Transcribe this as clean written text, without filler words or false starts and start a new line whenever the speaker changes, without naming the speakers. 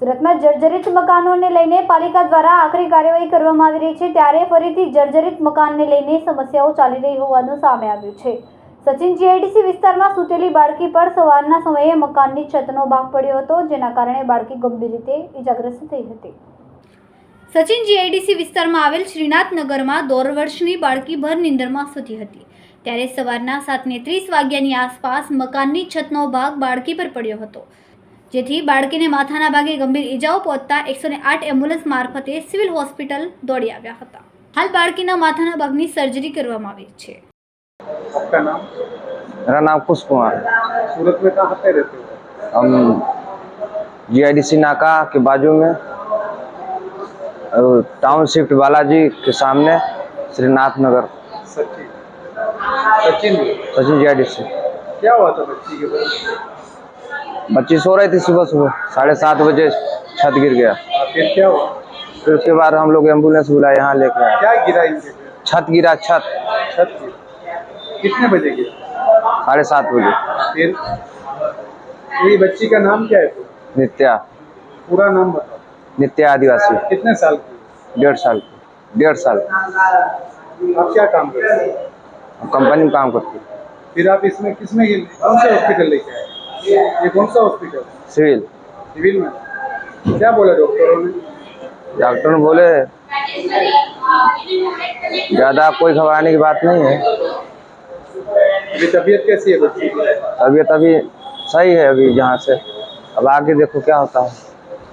સુરતમાં જર્જરિત મકાનોને લઈને પાલિકા દ્વારા આકરી કાર્યવાહી કરવામાં આવી રહી છે, ત્યારે ફરીથી જર્જરિત મકાનને લઈને સમસ્યાઓ ચાલી રહી હોવાનું સામે આવ્યું છે। સચિન જીઆઈડીસી વિસ્તારમાં સૂતેલી બાળકી પર સવારના સમયે મકાનની છતનો ભાગ પડ્યો હતો, જેના કારણે બાળકી ગંભીર રીતે ઇજાગ્રસ્ત થઈ હતી। સચિન જીઆઈડીસી વિસ્તારમાં આવેલ શ્રીનાથનગરમાં 1.5 વર્ષની બાળકી ભર નીંદરમાં સૂતી હતી, ત્યારે સવારના 7:30 વાગ્યાની આસપાસ મકાનની છતનો ભાગ બાળકી પર પડ્યો હતો, જેથી બાળકીને માથાના ભાગે ગંભીર ઇજાઓ પહોંચતા 108 એમ્બ્યુલન્સ મારફતે સિવિલ હોસ્પિટલ દોડી આવ્યા હતા। હાલ બાળકીના માથાના ભાગની સર્જરી કરવામાં આવી છે।
आपका नाम?
मेरा नाम कुश कुमार है।
सूरत में कहाँ पे रहते हो?
हम जीआईडीसी नाका के बाजू में टाउन शिफ्ट बालाजी के सामने श्रीनाथ नगर।
सचिन सचिन
सचिन जीआईडीसी।
क्या हुआ था बच्ची के बाद?
बच्ची सो रही थी, सुबह 7:30 बजे छत गिर गया।
फिर क्या हुआ?
फिर उसके बाद हम लोग एम्बुलेंस बुलाए, यहाँ लेके आए।
क्या गिरा इनके पे?
छत गिरा, छत
गिरा। कितने बजे गिरा?
7:30 बजे।
फिर ये बच्ची का नाम क्या है?
नित्या।
पूरा नाम बताओ।
नित्या आदिवासी।
कितने साल की?
1.5 साल। 1.5 साल।
आप क्या काम करते हैं?
कंपनी में काम करती।
फिर आप इसमें किसमें कौन से हॉस्पिटल लेके आए? ये कौन सा हॉस्पिटल?
सिविल।
सिविल में क्या बोला डॉक्टरों ने?
डॉक्टर ने बोले ज़्यादा कोई घबराने की बात नहीं है।
अभी तबीयत कैसी है बच्ची की?
तबीयत अभी सही है, अभी यहाँ से अब आगे देखो क्या होता है।